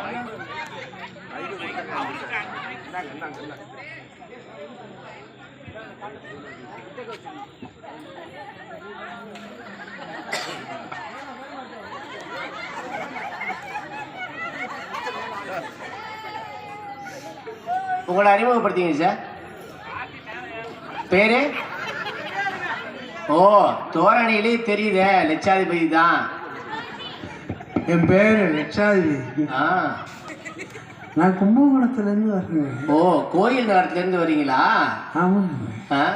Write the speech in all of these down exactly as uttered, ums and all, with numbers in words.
உங்களை அறிமுகப்படுத்திங்க சார். பேரு? ஓ, தோரணையிலே தெரியுதே லட்சாதிபதி தான். என் பேரு லட்சாதிபதி. ஆ, நான் கும்பகோணத்துலேருந்து வரேன். ஓ, கோயில் நேரத்துலேருந்து வரீங்களா? ஆமாங்க. ஆ,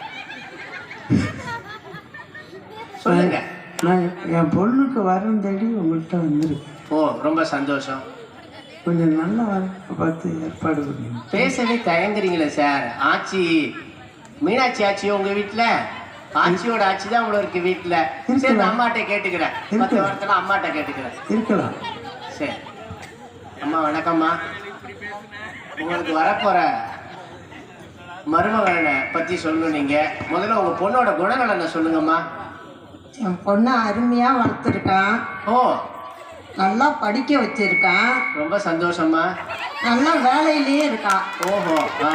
சொல்லுங்க. நான் என் பொண்ணுக்கு வரம் தேடி உங்கள்கிட்ட வந்துருக்கேன். ஓ, ரொம்ப சந்தோஷம். கொஞ்சம் நல்ல வரத்தை பார்த்து ஏற்பாடு பண்ணுங்க. பேசவே தயங்குறீங்களே சார். ஆச்சி மீனாட்சி ஆச்சி உங்க வீட்டில்? ஆச்சியோட ஆட்சி தான் உங்களை இருக்கு வீட்டில். சரி, நான் அம்மாட்ட கேட்டுக்கிறேன். பத்து வாரத்தில் அம்மாட்ட கேட்டுக்கிறேன். இருக்கலாம். சரி அம்மா, வணக்கம்மா. உங்களுக்கு வரப்போற மருமகனை பற்றி சொல்லணும். நீங்கள் முதல்ல உங்கள் பொண்ணோட குணநலனை சொல்லுங்கம்மா. என் பொண்ணை அருமையாக வளர்த்துருக்கான். ஓ, நல்லா படிக்க வச்சிருக்கான். ரொம்ப சந்தோஷம்மா. நல்லா வேலையிலேயே இருக்கான். ஓஹோ. ஆ,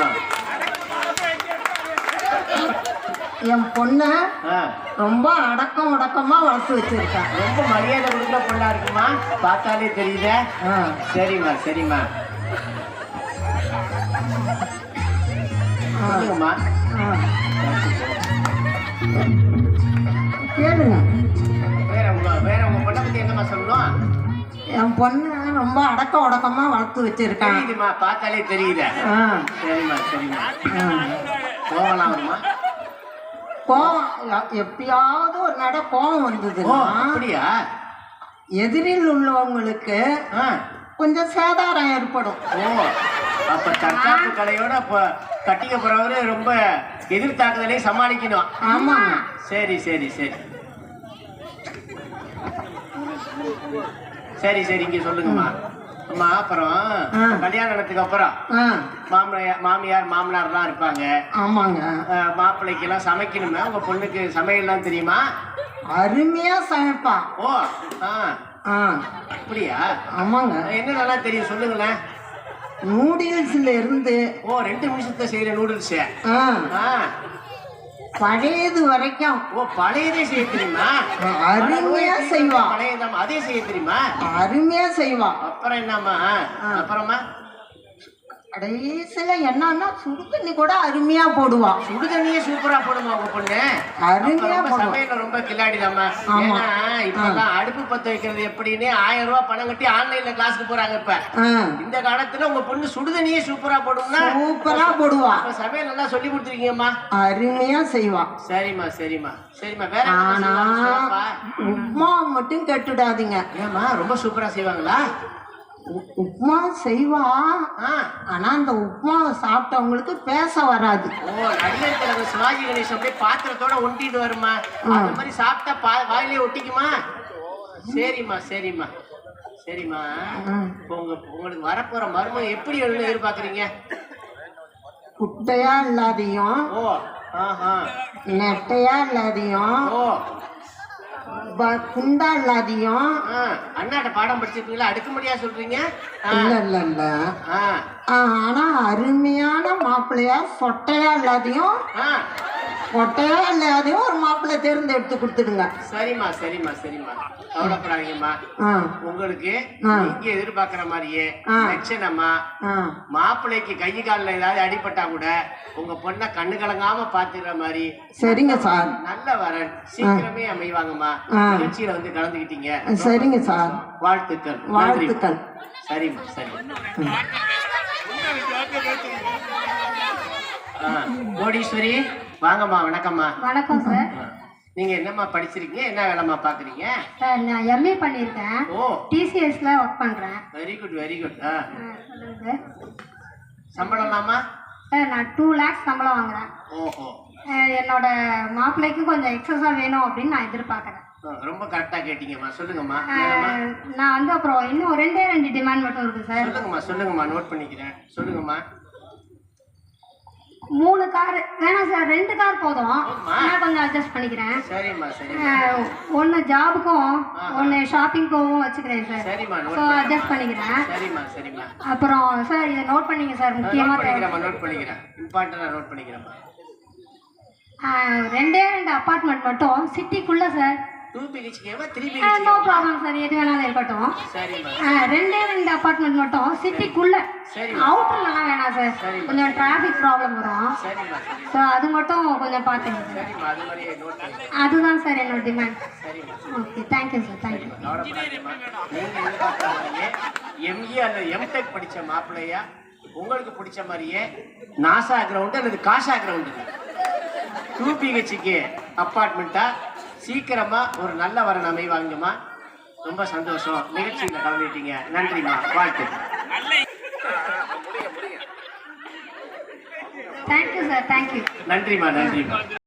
என் பொண்ணை ஆ, ரொம்ப அடக்கம் உடக்கமாக வளர்த்து வச்சிருக்கான். ரொம்ப மரியாதை கொடுக்குற பொண்ணா இருக்குமா, பார்த்தாலே தெரியுதே. ஆ, சரிம்மா சரிம்மா. சொல்லுங்கம்மா. ஆ. கேளுங்க. வேற உங்க வேற உங்க பொண்ணை பத்தி என்னம்மா சொல்லணும்? என் பொண்ணை ரொம்ப அடக்க உடக்கமாக வளர்த்து வச்சிருக்கான். தெரியுதுமா, பார்த்தாலே தெரியுதே. ஆ, சரிம்மா சரிம்மா. ஆ. கோவலாம் வருமா? கோவம் எ- எப்பயாவது ஒரு நட கோவம் ஓ, வந்ததுன்னா அப்படியா? எதிரில் உள்ளவங்களுக்கு ஆ, கொஞ்சம் சேதாரம் ஏற்படும். ஓ, அப்ப தற்காப்பு கலையோட அப்ப கட்டிக்க போறவரு ரொம்ப எதிர்த்தாக்குதலையும் சமாளிக்கணும். ஆமாங்க. சரி சரி சரி சரி சரி இங்க சொல்லுங்கம்மா. அம்மா, அப்புறம் ஆ. கல்யாணத்துக்கு அப்புறம் ஆ, மாமனார் மாமியார் மாமனார்லாம் இருப்பாங்க. ஆமாங்க. அஹ், மாப்பிள்ளைக்கெல்லாம் சமைக்கணுமே. உங்க பொண்ணுக்கு சமையல்லாம் தெரியுமா? அருமையாக சமைப்பான். ஓ, ஆ, ஆ, அப்படியா? ஆமாங்க. என்ன நல்லா தெரியும் சொல்லுங்களேன். நூடுல்ஸ்ல இருந்து ஓ, ரெண்டு நிமிஷத்தை செய்யற நூடுல்ஸ். ஆ, ஆ, பழையது வரைக்கும் ஓ, பழையதே செய்ய தெரியுமா? அருமையா செய்வா. பழையதாம், அதே செய்ய தெரியுமா? அருமையா செய்வா. அப்புறம் என்னம்மா? அப்புறமா கடைசியில என்னன்னா சுடு தண்ணி கூட அருமையா போடுவா. சுடு தண்ணியே சூப்பரா போடுமா உங்க பொண்ணு? அருமையா அப்ப ரொம்ப போடுவா. சமையல்ல ரொம்ப கில்லாடிதாம்மா. ஆமா. ஏன்னா இப்பதான் அடுப்பு பத்த வைக்கிறது எப்படின்னு ஆயிரம் ரூபாய் பணம் கட்டி ஆன்லைன்ல கிளாஸ்க்கு போறாங்க. இப்ப ஆ, இந்த காலத்துல உங்க பொண்ணு சுடு தண்ணியே சூப்பரா போடும்னா சூப்பரா போடுவா. அப்ப சமையல் நல்லா சொல்லி கொடுத்துருக்கீங்கம்மா. அருமையா செய்வா. சரிம்மா சரிம்மா சரிம்மா. வேற என்ன ஆனா செய்வாங்க? உப்மா மட்டும் கெட்டுடாதீங்க. ஏம்மா, ரொம்ப சூப்பரா செய்வாங்களா? உ- உப்மா செய்வா. ஆ, ஆனா அந்த உப்மாவை சாப்பிட்டவங்களுக்கு பேச வராது. ஓ, நடிகர் தலைவர் சிவாஜி கணேசன் அப்படியே பாத்திரத்தோட ஒட்டிட்டு வருமா? அந்த மாதிரி சாப்பிட்டா பா வாயிலே ஒட்டிக்குமா? சரிம்மா சரிம்மா சரிம்மா. இப்போ உங்க உங்களுக்கு வரப்போற மருமகன் எப்படி வேணும்னு எதிர்பார்க்குறீங்க? குட்டையா இல்லாதையும் ஓ, ஆஹா, நெட்டையா இல்லாதையும் ஓ, ப- குண்டா இல்லாதையும். ஆ, அண்ணாட்ட பாடம் படிச்சிருக்கீங்களா? அடுக்குமடியா சொல்றீங்க? ஆ, இல்ல இல்ல இல்ல ஆ, ஆ, ஆனா அருமையான மாப்பிள்ளையா சொட்டையா இல்லாதையும் ஆ, கொட்டையா இல்லாதையும் ஒரு மாப்பிள்ளை தேர்ந்தெடுத்து கொடுத்துடுங்க. சரிம்மா சரிம்மா சரிம்மா. கவலைப்படாதீங்கம்மா. ஆ, உங்களுக்கு ஆ. நீங்க எதிர்பார்க்கிற மாதிரியே ஆ. லட்சணமா ஆ, மாப்பிள்ளைக்கு கை காலில் ஏதாவது அடிபட்டா கூட உங்க பொண்ணை கண்ணு கலங்காம பாத்துக்கிற மாதிரி சரிங்க சார். நல்ல வரன் சீக்கிரமே அமைவாங்கம்மா. ஆ. நிகழ்ச்சியில வந்து கலந்துக்கிட்டீங்க. சரிங்க சார். வாழ்த்துக்கள். வாழ்த்துக்கள். நன்றி. சரிம்மா சரி. ஆ, கோடீஸ்வரி வாங்கம்மா. வணக்கம்மா. வணக்கம் சார். ஆ, நீங்க என்னம்மா படிச்சிருக்கீங்க? என்ன வேலைம்மா பாக்குறீங்க? சார் நான் எம்ஏ பண்ணியிருக்கேன். ஓ, டிசிஎஸ்ல ஒர்க் பண்ணுறேன். Very good very good. ஆ, சொல்லுங்க சார். சம்பளம்லாமா? சார் நான் டூ லேக்ஸ் சம்பளம் வாங்குறேன். ஓஹோ, அஹ் என்னோட மாப்பிள்ளைக்கும் கொஞ்சம் எக்ஸஸாக வேணும் அப்படின்னு நான் எதிர்பார்க்குறேன். ஆ, ரொம்ப கரெக்டா கேட்டீங்கம்மா. சொல்லுங்கம்மா. என்னம்மா? அஹ் நான் வந்து அப்புறம் இன்னும் ரெண்டே ரெண்டு டிமாண்ட் மட்டும் இருக்குது சார். சொல்லுங்கம்மா சொல்லுங்கம்மா. நோட் பண்ணிக்கிறேன். சொல்லுங்கம்மா. மூணு கார் வேணாம் சார், ரெண்டு கார் போதும். ஆமா. நான் கொஞ்சம் அட்ஜஸ்ட் பண்ணிக்கிறேன். சரிம்மா சரிம்மா ஒன்று ஜாபுக்கும் ஒன்று ஷாப்பிங்க்கும் வச்சுக்கிறேன் சார். சரிம்மா ஸோ நோட் அட்ஜஸ்ட் பண்ணிக்கிறேன். சரிம்மா சரிம்மா அப்புறம் சார் இதை நோட் பண்ணிங்க சார், நோட் முக்கியமாக தேவை. பண்ணிக்கிறேம்மா நோட் பண்ணிக்கிறேன் இம்பார்ட்டண்டாக நோட் பண்ணிக்கிறேம்மா. ரெண்டே ரெண்டு அப்பார்ட்மெண்ட் மட்டும் சிட்டிக்குள்ளே சார். டூ பிஹெச்கேவா த்ரீ நோ பிஹெச்கேவா? ப்ராப்ளம் சார், எது வேணாலும் இருக்கட்டும். சரிம்மா ஆ, ரெண்டே ரெண்டு அப்பார்ட்மெண்ட் மட்டும் சிட்டிக்குள்ள. சரிம்மா அவுட்டர்லாம் வேணாம் சார், சரிம்மா. கொஞ்சம் டிராஃபிக் ப்ராப்ளம் வரும். சரிம்மா சரி ஸோ அது மட்டும் கொஞ்சம் பார்த்துங்க சார். சரிம்மா அது மாதிரியே நோட் பண்ணிக்கிறேன். அதுதான் சார் என்னோட டிமாண்ட். சரிம்மா ஓகே, தேங்க்யூ சார், தேங்க்யூ. கவலைப்படாதீங்கம்மா. நீங்க எதிர்பார்க்குற மாதிரியே எம்இ அல்லது எம்டெக் படிச்ச மாப்பிள்ளையா உங்களுக்கு பிடிச்ச மாதிரியே நாசா கிரவுண்டு அல்லது காசா கிரவுண்டு டூ பிஹெச்கே அப்பார்ட்மெண்ட்டா சீக்கிரமா ஒரு நல்ல வரன் அமைவாங்கம்மா. ரொம்ப சந்தோஷம், நிகழ்ச்சியில் கலந்துட்டீங்க. நன்றிம்மா, வாழ்த்து. Thank you sir, thank you. நன்றிம்மா நன்றிம்மா.